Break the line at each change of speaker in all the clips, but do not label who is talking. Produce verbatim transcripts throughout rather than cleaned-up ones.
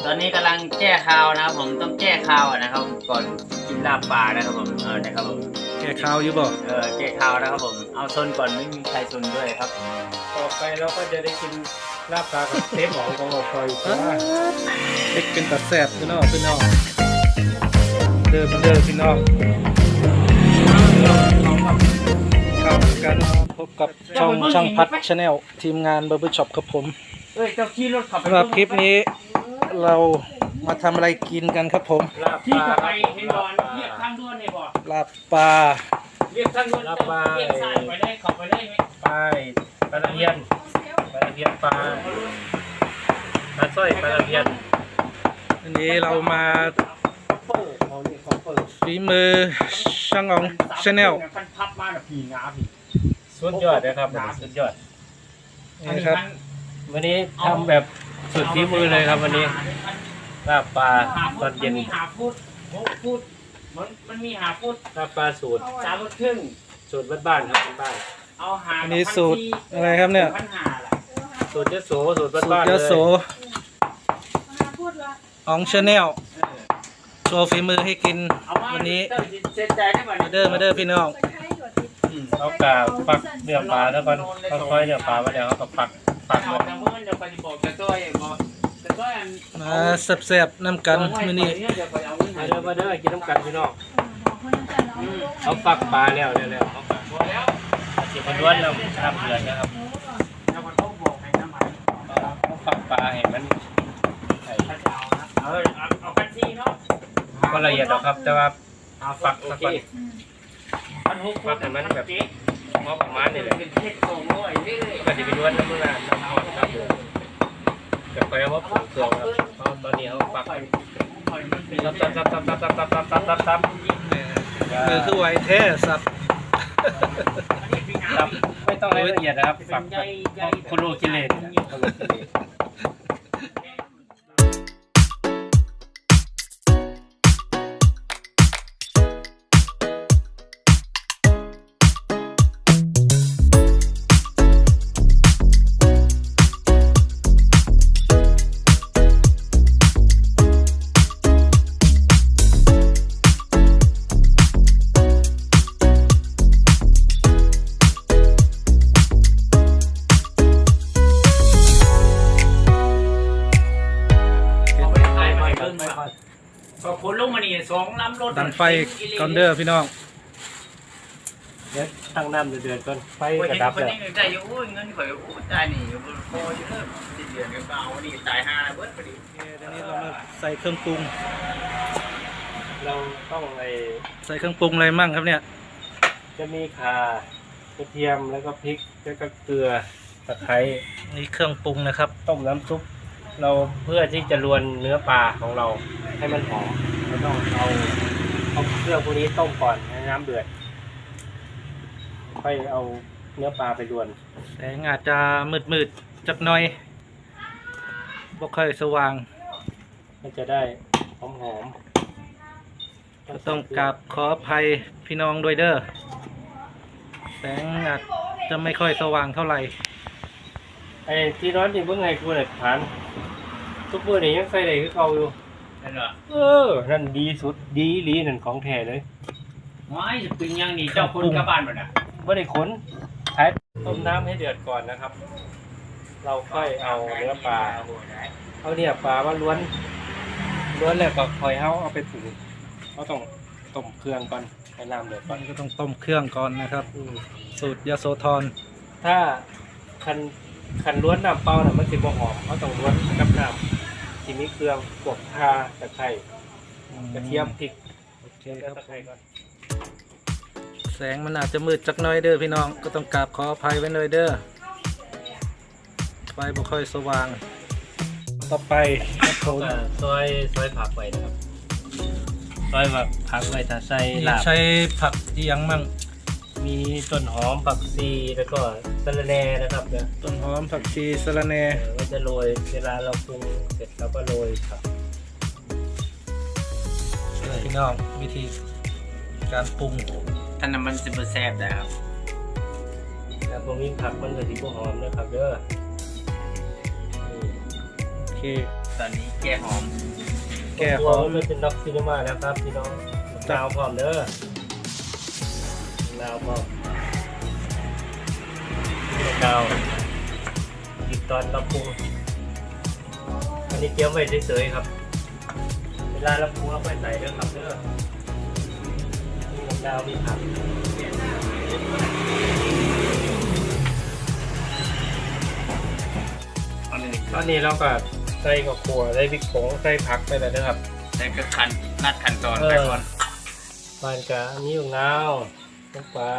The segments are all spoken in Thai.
อนนี้กำลังแก้ข่าวนะครับผมต้องแก้ข่าวนะครับก่อนกินลาบปลานะครับผมเออนะครับผม
แก่ข้าวอยู่บ่
เออแก้ข่าวนะครับผมเอาซนก่อนไม่มีใครซนด้วยครับ
ต่อไปเราก็จะได้กินลาบปลากับเทปหมองของเราคอยเพราะว่า
เด็กเป็นตัดแสบพี่น้องพี่น้องเดินมาเดินพี่น้องเข้ากันพบกับช่องช่างพัดชาแนลทีมงานเบอร์เบอร์ช็อปกับผม
เอ้ยเจ้าขี่รถขับไป
สำหรับคลิปนี้เรามาทำอะไรกินกันครับผม
ลาบป
ที่
ลา
จะ
ค
ไป
รับ
เฮดอนเรียกทางด่วนเนี่ยบ่
ลาบปลา
เรียกทางด่วนเรียกสายไปได้ขับไปได้ไหม
ปลาปลาตะเพียนปลาตะเพียนปลาปลาสร้อยปลาตะเพียน
อันนี้เรามา
เปิดเขาเนี่ยเขาเปิด
ฝีมือช่างอองชาแนล
พันพับมาแบบผีงาผี
สุดยอดนะครับสุดยอด
นี่ครับ
วันนี้ทำแบบสุดฝีมือเลยครับวันนี้ลาบปลาตอนเย็น
มีหาฟุตหกฟุตมันมันมีหาฟุต
ลาบปลาสูตร
สามฟุตครึ่ง
สูตรบ้านๆครับบ้าน
เอาหา
อันนี้สูตรอะไรครับเนี่ย
พันหาล่ะ
ๆสูตรยโสสูตร
สูตร
บ้านๆเลย
ยโสอองชาแนลโชว์ฝีมือให้กิน
เอามา
วันนี้
เจ้าเซ็นใจได้ป่ะ
มาเด้อมาเด้อพี่น้อง
เอากาปักเนื้อปลาแล้วก็ค่อยๆเนื้อปลามาแล้วเขาก็ปักปัก
เอา
ไว้
แต่เมื่อเดี๋ยวไปบอกจะต้อยบอกจะต้อยอัน
มาแซ่บๆน้ำกันมื้อนี้
เดี๋ยวไปเอาเงิน
มา
ให้
เด้อมาเด้อกินน้ำกันพี่น้องเขาปักปลาแล้วแล้วแล้วเขาปัก
พอแล้ว
เสียบล้วนแล้วน้ำเดือดนะครับ
แล้วมันต้องบอกให้น้ำมัน
เขาปักปลาให้มันไอ้
ถ้าจะเอานะเออเอาเอาพันทีเนาะ
ก็ละเอียดหรอกครับแต่ว่า
เอาฝักโอเคพันหก
ปักให้มันแบบพอประมาณนี่แหละ
เป็นเทศโกงด้วยเรื่อย
ก็จะไปล้วนน้ำมันน้ำหอมน้ำเดือดกับไปเอาว่าปลูกเครื่องครับเพราะตอนนี้เขาปัก
ปล่อยปล่อยมันเป็น
ตับตับตับตับตับตับตับตับตับตับ
มือคือไวแท้สับ
ตับไม่ต้องให้ละเอียดนะครับปักโคโลกิเลนโคโลกิเลน
ขอบคุณลุงมานี่สองลำรถ
ดังไฟก่อนเด้อพี่น้อง
เดี๋ยวตั้งน้ำเดือดๆก่อนไฟ
โอ้ย
กระ
เห็น
ดับ
คน
แล้ว
นี้ใจอยู่โอ้ยเงินข่อยโอ้ยตายนี่อยู่บนคออยู่เริ่มสิ้นเดือนก็เอานี่ตายห้าเบิดพอดี
ตอนนี้เรามาใส่เครื่องปรุง
เราต้องไอ
ใส่เครื่องปรุงอะไรมั่งครับเนี่ย
จะมีข่ากระเทียมแล้วก็พริกแล้วก็เกลือตะไคร้
นี่เครื่องปรุงนะครับ
ต้มน้ำซุปเราเพื่อที่จะรวนเนื้อปลาของเราให้มันหอมเราต้องเอาเอาเครื่องพวกนี้ต้มก่อนให้น้ำเดือดค่อยเอาเนื้อปลาไปรวน
แสงอาจจะมืดๆจักหน่อยบ่ค่อยสว่าง
มันจะได้หอมหอม
ก็ต้องกราบขออภัยพี่น้องด้วยเด้อแสงอาจจะไม่ค่อยสว่างเท่าไหร่
ไอ้ที่ร้อนที่เมื่อไงกูเนี่ยฐานทุกเมื่อนี่ยังใส่ได้คือเก่าอยู่
นั่นเหรอ
เออนั่นดีสุดดีอีหลีนั่นของแท้เลย
ไม่จะเป็นยังนี่เจ้าคนกลับบ้านหมดอ่ะ
ไม่ได้ขนใช้ต้มน้ำให้เดือดก่อนนะครับ เราค่อยเอาเนื้อปลาเอาเนี่ยปลาว่าล้วนล้วนแล้วก็ค่อยเอาเอาไปปรุงเราต้องต้มเครื่องก่อนให้น้ำเดือดก่
มั
อน
นก็ต้องต้มเครื่องก่อนนะครับ
อืม
สูตรยโสธร
ถ้าคันคันล้วนน้ำเปล่าน่ะมันสิบ่หอมเขาต้องล้วนกับน้ำที่มีเครื่องพวกข่าตะไคร้กระเทียมพริก
โอเคค
แล้
รั
ว
บ
ตะไคร้ก่อน
แสงมันอาจจะมืดจักหน้อยเด้อพี่น้องก็ต้องกราบขออภัยไว้เลยเด้อไฟบ่ค่อยสว่าง ต่อไปครับผม
ก็ซอยซอยผักไว้นะครับซอยแบบผักไว้ถ้าใส่ลาบ
ใช้ผักอีหยังมั่ง
มีต้นหอมผักชีแล้วก็สะระแหน่นะครับเนี่ย
ต้นหอมผักชีสะระแหน่
เออก็จะโรยเวลาเราปรุงเสร็จเราก็โรยผัก
พี่น้องวิธีการปรุง
ท่านน้ำมันสิบแซ่บนะครับ
แต่พวกนี้ผักมันก็สีหอมนะครับเด้อ
โอเค
ตอนนี้แก้หอม
แก้ห
ตัว
อม
มันเป็นน็อกซินิมาแล้วครับพี่น้องดาวพร้อมเด้อดาวพร้อมดาวอีกตอนเราปรุงอันนี้เตรียมไว้เฉยๆครับเวลาเราปรุงเราไปใส่เด้อครับเด้อมีดาวมีผักตอนนี้เราก็ใส่กับขัวใส่พริกผงใส่ผักไปเลยนะครับ
แต่ก็ขั้นนัดขั้นตอนไปก่อน
ปานกะอันนี้ของเราลงไป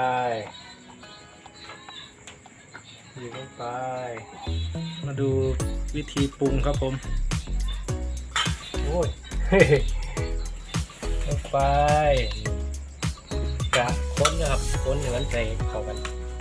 อยู่ลงไป
มาดูวิธีปรุงครับผม
โอ้ย ลงไปกะค้นนะครับค้นอย่างนั้นใส่เข้ากัน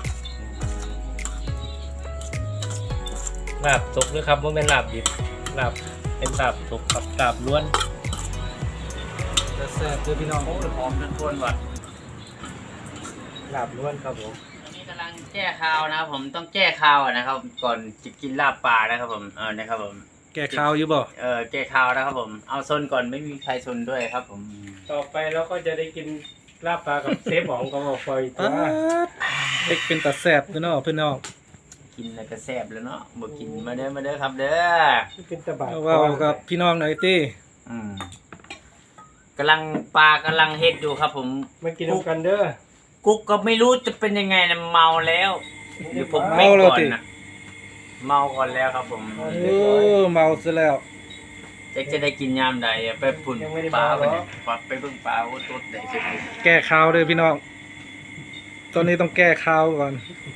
ลาบสุกด้วยครับว่าเป็นลาบดิบลาบเป็นลาบสุกกับลาบล้วน
จะแซ่บเด้อพี่น้อง
โอ้ยหอมจนทวนว่ะ
ลาบล้วนครับผม
ตอนนี้กำลังแก้คาวนะครับผมต้องแก้คาวอะนะครับ ก่อนจะกินลาบปลานะครับผมเออนะครับผม
แก้ข้าวอยู่บ่
เออแก้คาวนะครับผมเอาซนก่อนไม่มีใครซนด้วยครับผม
ต่อไปเราก็จะได้กินลาบปลากับเซฟหมองกับบอกฟอยตั
ป๊าว ดเด็กเป็นตาแซ่บพี่น้องพี่น้อง
กินแล้วก็แซ่บแล้วเนาะบ่กินมาเด้อมาเด้อครับเด้อ
เป็นตะบะ
เอาเว่ากับพี่น้องหน่อยติ
อืมกำลังปลากำลังเฮ็ดอยู่ครับผม
มากินด้วยกันเด้อ
กุ๊กก็ไม่รู้จะเป็นยังไงนะเมาแล้วเดี๋ยวผมไม่ก่อนนะเมาก่อนแล้วครับผม
โอ้เมาซะแล้ว
จะจะได้กินยามใดอะไปปุ่นปลาไปเนี่ยปลาไปเบิ่งปลาโอ้ตัวใหญ่สุด
แก้ข้าวเด้อพี่น้อง ตอนนี้ต้องแก้ข้าวก่อน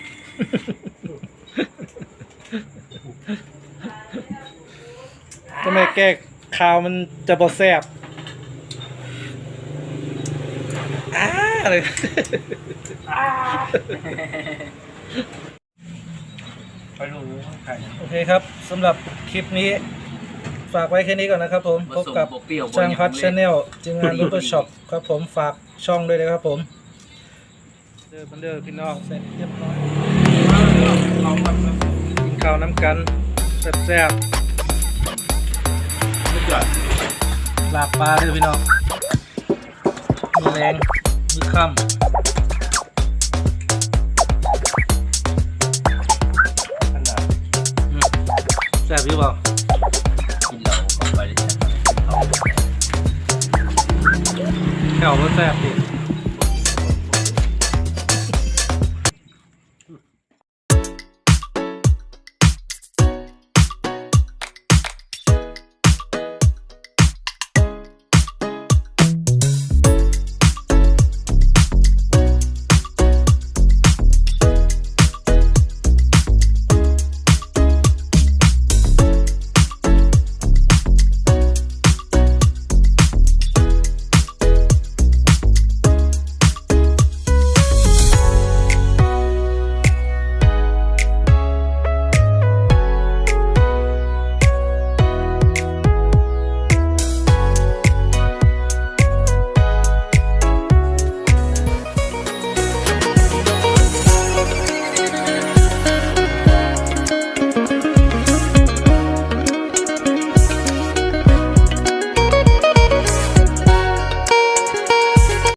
ถ้าไม่แก้ข้าวมันจะบ่แซ่บอ้าเลย
ไปรู้ไข่
โอเคครับสำหรับคลิปนี้ ฝากไว้แค่นี้ก่อนนะครับผม พบกับ
เปรี้ยว
ช่างพัดชาแนลจึงงานรูปเปอร์ช็อปครับผมฝากช่องด้วยนะครับผมเด้อบันเดอร์พี่น้องเสร็จเรียบร้อยกินข้าวน้ำกันแซ่บๆลาบปลาเด้อพี่น้องมือแรงมือค่ำ
ขนาด
อืมแซ่บอยู่เปล่า
กินเหล้าเข้าไปเลย
แถวก็แซ่บดิ